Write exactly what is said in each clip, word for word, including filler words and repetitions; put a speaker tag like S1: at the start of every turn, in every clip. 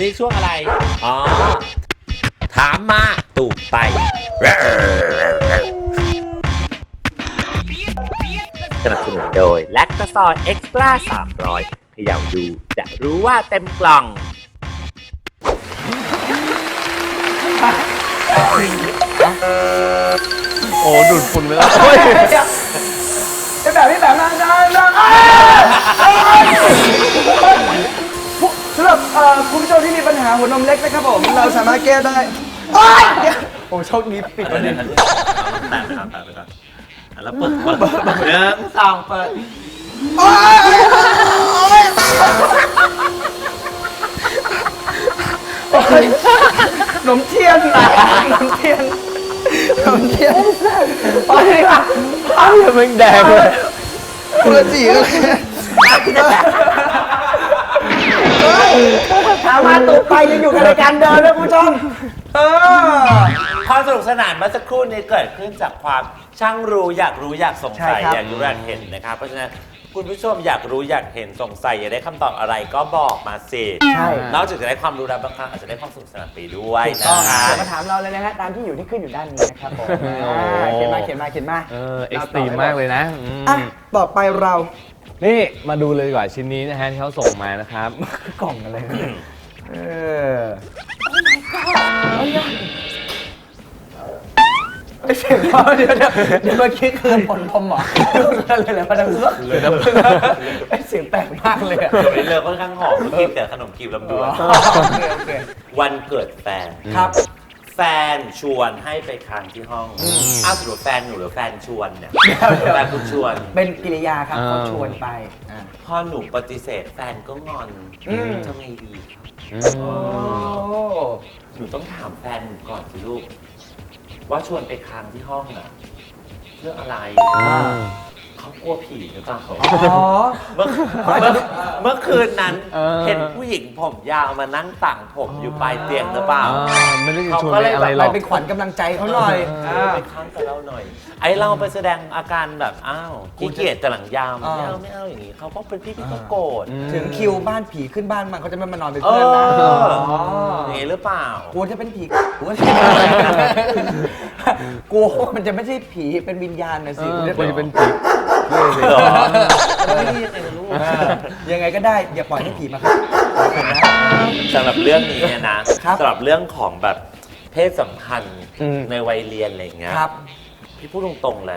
S1: นี่ช่วงอะไรอ๋อถามมาตูบไปสนับสนุนโดยแลคตาซอยเอ็กซ์ตร้าสามร้อยเขย่าดูจะรู้ว่าเต็มกล่อง
S2: โอ้ดูดฝุ่นไปแล้ว
S3: ไอ้แบบนี้แบบนั้นนะสำหรับคุณผู้ชมที่มีปัญหาหัวนมเล็กนะครับผมเราสามารถแก้ได้โอ้โชคดีปิดประเด็น
S1: ตัดไปก่อนตัดไปก่อนแล้วเปิดเปิดเนื้อสองเปิด
S3: ขนมเทียนขนมเทียนขนมเทียนไปเลยค่ะไปเลยมึงแดงเลยกูละจีเลยถามมาตุกไปยังอยู่กับรายการเดิมนะคุณผู้ชมเออ
S1: ความสนุกสนานเมื่อสักครู่นี้เกิดขึ้นจากความช่างรู้อยากรู้อยากสงสัยอยากรู้อยากเห็นนะครับเพราะฉะนั้นคุณผู้ชมอยากรู้อยากเห็นสงสัยอยากได้คำตอบอะไรก็บอกมาสิใช่นอกจากจะได้ความรู้แล้วบางครั้งอาจจะได้ความสนุกสนานไปด้วย
S3: นะเดี๋ยวมาถามเราเลยนะฮะตามที่อยู่ที่ขึ้นอยู่ด้านนี้นะครับผมเขียนมาเขียนมาเขียนมา
S2: เออเอ็กซ์ตรีมมากเลยนะ
S3: อ่ะต่อไปเรา
S2: นี่มาดูเลยดีกว่าชิ้นนี้นะฮะที่เขาส่งมานะครับ
S3: กล่องอะไรเออไอเสียงเขาเดี๋ยวเดี๋ยวเดี๋ยวเมื่อกี้คือผลพรมหรอเลยเลยมาดังเลยไอเสียงแปลกมากเลยอะ
S1: เลือค่อนข้างหอมกินแต่ขนมกีบลำดวนวันเกิดแฟน
S3: ครับ
S1: แฟนชวนให้ไปค้างที่ห้องอ้าวสรุปแฟนหนูหรือแฟนชวนเนี่ยแฟนคุณชวน
S3: เป็นกิริยาครับเขาชวนไป
S1: พอหนูปฏิเสธแฟนก็งอนทำไงดีหนูต้องถามแฟนหนูก่อนสิลูกว่าชวนไปค้างที่ห้องน่ะเรื่องอะไรเขากลัวผีหรือเปล่าอ๋อเมื่อเมื่อคืนนั้นเห็นผู้หญิงผมยาวมานั่งต่างผมอยู่ปลายเตียงหรือเปล่า
S2: ไม่ได้ชวนอะไรหรอก
S3: ไปขวัญกำลังใจเขาหน่อย
S1: ไปค้างกับเราหน่อยไอเราไปแสดงอาการแบบอ้าวขี้เกียจแต่หลังยามไม่เอาไม่เอาอย่างนี้เขาก็เป็นพี่พี่ก็โกรธ
S3: ถึงคิวบ้านผีขึ้นบ้านมันเขาจะไม่มานอนเป็นเพื่อนนะ
S1: อย่างนี้หรือเปล่า
S3: กูจะเป็นผีกูกูมันจะไม่ใช่ผีเป็นวิญญาณนะสิ
S2: กูจะเป็นผี
S3: ยังไงก็ได้อย่าปล่อยให้ผีมาครับ
S1: สำหรับเรื่องนี้เนี่ยนะสำหรับเรื่องของแบบเพศสัมพันธ์ในวัยเรียนอะไรอย่างเงี้ยพี่พูดตรงๆเลย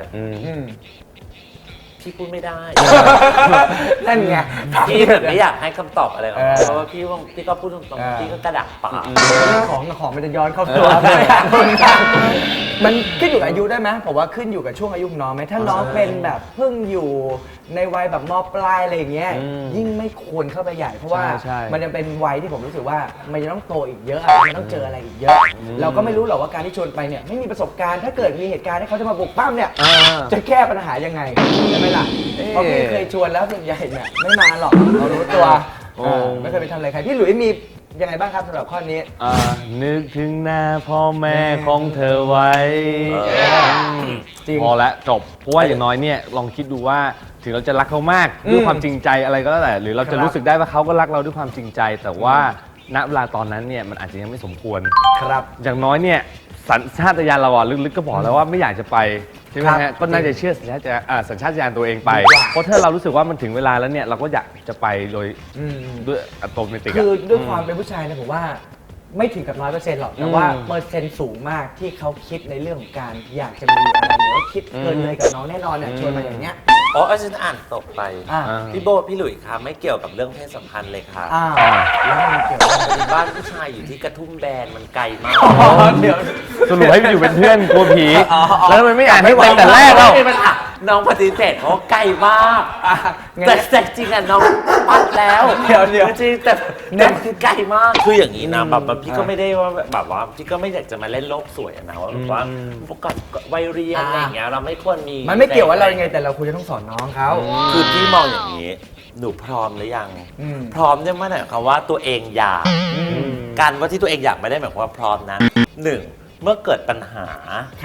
S1: พี่พูดไม่ได้
S3: นั่นไง
S1: พี่แบบไม่อยากให้คำตอบอะไรหรอกเพราะว่าพี่พี่ก็พูดตรงๆพี่ก็กระดักปาก
S3: ของของมันจะย้อนเข้าตัวมันขึ้นอยู่กับอายุได้ไหมผมว่าขึ้นอยู่กับช่วงอายุน้องไหมถ้าน้องเป็นแบบเพิ่งอยู่ในวัยแบบม.ปลายอะไรอย่างเงี้ยยิ่งไม่ควรเข้าไปใหญ่เพราะว่ามันยังเป็นวัยที่ผมรู้สึกว่ามันจะต้องโตอีกเยอะมันต้องเจออะไรอีกเยอะเราก็ไม่รู้หรอกว่าการที่ชวนไปเนี่ยไม่มีประสบการณ์ถ้าเกิดมีเหตุการณ์ที่เขาจะมาบุกปั้มเนี่ยจะแก้ปัญหายังไงใช่ไหมล่ะเพราะพี่เคยชวนแล้วส่วนใหญ่เนี่ยไม่มาหรอกเรารู้ตัวไม่เคยไปทำอะไรใครพี่หลุยมียังไงบ้างครับสำหรับข้อนี้
S2: นึกถึงหน้าพ่อแม่ของเธอไว้พอแล้วจบเพราะว่าอย่างน้อยเนี่ยลองคิดดูว่าถึงเราจะรักเขามากด้วยความจริงใจอะไรก็แล้วแต่หรือเราจะรู้สึกได้ว่าเขาก็รักเราด้วยความจริงใจแต่ว่าณเวลาตอนนั้นเนี่ยมันอาจจะยังไม่สมควร
S3: ครับ
S2: อย่างน้อยเนี่ยสัญชาตญาณเราลึกๆก็บอกแล้วว่าไม่อยากจะไปใช่ไหมฮะก็น่าจะเชื่อสัญชาตญาณสัญชาตญาณตัวเองไปเพราะถ้าเรารู้สึกว่ามันถึงเวลาแล้วเนี่ยเราก็อยากจะไปโดยด้วยอัตโนมัติ
S3: คือด้วยความเป็นผู้ชายนะผมว่าไม่ถึงกับร้อยเปอร์เซ็นต์หรอกแต่ว่าเปอร์เซ็นต์สูงมากที่เขาคิดในเรื่องของการอยากจะมีอะไรหรือว่าคิดเกินเลยกับน้องแน่นอนเนี่ยชวนมาอย่างเนี้ย
S1: อ๋อฉันอ่านตกไปพี่โบพี่หลุยครับไม่เกี่ยวกับเรื่องเพศสัมพันธ์เลยครับ
S3: แล้วมันเกี่ยวกับ
S1: บ้านผู้ชายอยู่ที่กระทุ่มแบนมันไกลมาก
S2: เดี๋ยวสรุปให้อยู่เป็นเพื่อนกลัวผีแล้วมันไม่อ่านให้แต่แต่แรกเรา
S1: น้องปฏิเสธเพราะไกลมากแต่แต่จริงอ่ะน้องปัดแล้ว
S3: เดี๋ยวเดี๋ยว
S1: จริงแต่แต่คือไกลมากคืออย่างนี้นะแบบพี่ก็ไม่ได้ว่าแบบว่าพี่ก็ไม่อยากจะมาเล่นโลกสวยนะว่าแบบว่าพวกกับวัยเรียนอะไรอย่างเงี้ยเราไม่ควรมี
S3: มันไม่เกี่ยวว่าเรายังไงแต่เราควรจะต้องสอนน้องเขา
S1: คือพี่มองอย่างนี้หนูพร้อมหรือยังพร้อมเนี่ยไม่ได้หมายความว่าตัวเองอยากการว่าที่ตัวเองอยากไม่ได้หมายความว่าพร้อมนะหนึ่งเมื่อเกิดปัญหา
S3: ครับ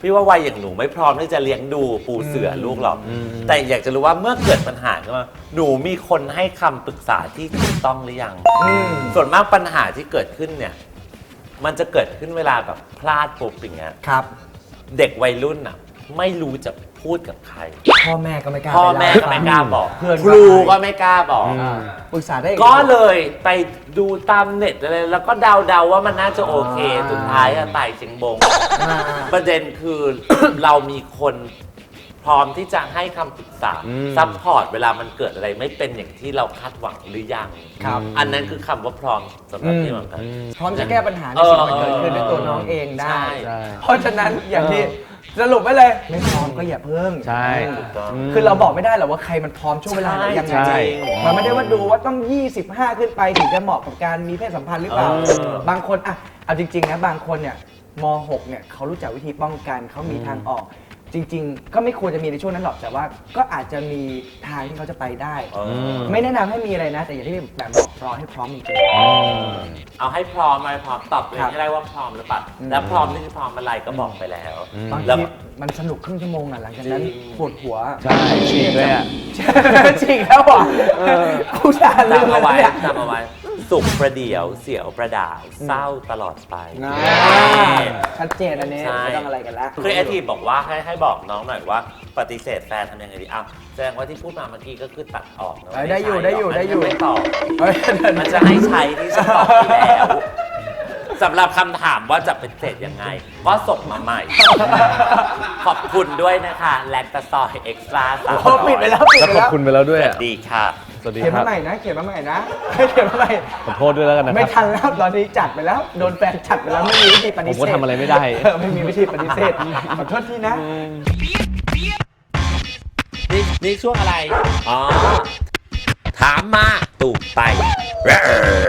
S1: พี่ว่าวัยอย่างหนูไม่พร้อมที่จะเลี้ยงดูปูเสือลูกหรอกแต่อยากจะรู้ว่าเมื่อเกิดปัญหาขึ้นมาหนูมีคนให้คำปรึกษาที่ถูกต้องหรือยังส่วนมากปัญหาที่เกิดขึ้นเนี่ยมันจะเกิดขึ้นเวลาแบบพลาดปุ๊บอย่างเงี้ย
S3: ครับ
S1: เด็กวัยรุ่นอ่ะไม่รู้จะพูดกับใคร
S3: พ่อแม่ก็ไม่กล้า
S1: พ่อ
S3: ไป
S1: แม่
S3: เล่
S1: ก็ไม่กล้าบอก
S3: เพื่อน
S1: ครูก็ไม่กล้าบอก
S3: ปรึกษาได้อี
S1: ก็เลยไปดูตามเน็ตอะไรแล้วก็เดาๆว่ามันน่าจะโอเคสุดท้ายอะไต่เชียงบง
S3: อ่า
S1: ประเด็นคือ เรามีคนพร้อมที่จะให้คำปรึกษา
S2: อืม
S1: ซัพพอร์ตเวลามันเกิดอะไรไม่เป็นอย่างที่เราคาดหวังหรือยัง
S3: ครับ
S1: อันนั้นคือคำว่าพร้อมสำหรับพี่เหมือนกัน
S3: พร้อมจะแก้ปัญหาในสิ่งที่มันเกิดขึ้นด้วยตัวน้องเองได้
S1: ใช่
S2: ใช่
S3: เพราะฉะนั้นอย่างที่สรุปไว้เลย ไม่พร้อมก็อย่าเพิ่ง
S2: ใช่
S1: ถูกต้อง
S3: คือเราบอกไม่ได้หรอกว่าใครมันพร้อมช่วงเวลาไหนยังไง
S2: ใช่
S3: มันไม่ได้ว่าดูว่าต้อง ยี่สิบห้า ขึ้นไปถึงจะเหมาะกับการมีเพศสัมพันธ์หรือเปล่า
S1: เออ
S3: บางคนอะเอาจริงๆนะบางคนเนี่ยม หก เนี่ยเขารู้จักวิธีป้องกันเขามีทางออก จริง ๆ ก็ไม่ควรจะมีในช่วงนั้นหรอกแต่ว่าก็อาจจะมีทางที่เขาจะไปได้
S1: เออ
S3: ไม่แนะนำให้มีอะไรนะ แต่อย่างที่แบบบอกรอให้พร้อมจริง
S1: เอาให้พร้อมอะไรพร้อมตอบเลย
S3: ครับ
S1: ให้ได้ว่าพร้อมหรือเปล่า
S3: อืม
S1: แล้วพร้อมนี่คือพร้อมอะไรก็บอกไปแล้ว
S3: ๆบาง
S1: แล้ว
S3: ทีมันสนุกครึ่งชั่วโมงอ่ะหลังจากนั้น
S1: จริง
S3: ปวดหัว
S2: ใช่ฉีกเลยอ่ะ
S3: จริงแล้วอ่ะกูจะลืม
S1: จำเอาไว้
S3: แล้วเนี่ย
S1: จำเอาไว้ สุขประเดี๋ยวเสียวประดาวเศร้าตลอดไป
S3: อ่าชัดเจนอันนี้
S1: ใช่
S3: ไม่ต้องอะไรกันแล้ว
S1: คือไอทีบอกว่าให้ให้บอกน้องหน่อยว่าปฏิเสธแฟนทำยังไงดีอ้าวแสดงว่าที่พูดมาเมื่อกี้ก็คือตัดออกนะ
S3: เอ้ยได้อยู่ได้อยู่ได้อยู่
S1: ไม่ตอบ
S3: เฮ้ย
S1: มันจะให้ใช้ที่ฉันตอบที่แล้วสำหรับคำถามว่าจะเป็นเศษยังไง ก็ส่งมาใหม่ ขอบคุณด้วยนะคะแลคตาซอยเอ็กซ์ตร้าสาม
S3: โอ้ปิดไปแล้วปิด
S2: แล้ว
S3: ไป
S2: ขอบ
S3: แล้ว
S2: คุณไปแล้วด้
S1: ส
S2: วย
S1: วั
S2: อะ
S1: สดีค่ะ
S2: สวัสดี
S3: เขียน
S2: ครั
S3: มา
S2: บ
S3: ใหม่นะเขียนมาใหม่นะเขียนมาใหม่
S2: ขอโทษด้วยแล้วกันนะค
S3: ไม่
S2: รับ
S3: ทันแล้วตอนนี้จัดไปแล้วโดนแฟนจัดไปแล้วไม่มีวิธีป
S2: ผ
S3: ฏิ
S2: ม
S3: เส
S2: ก็
S3: ธ
S2: ทำอะไรไม่ได้
S3: เออไม่มีวิธีปฏิเสธขอโทษทีนะ
S1: นี่นี่ช่วงอะไร อ๋อ ถามมาตูบไป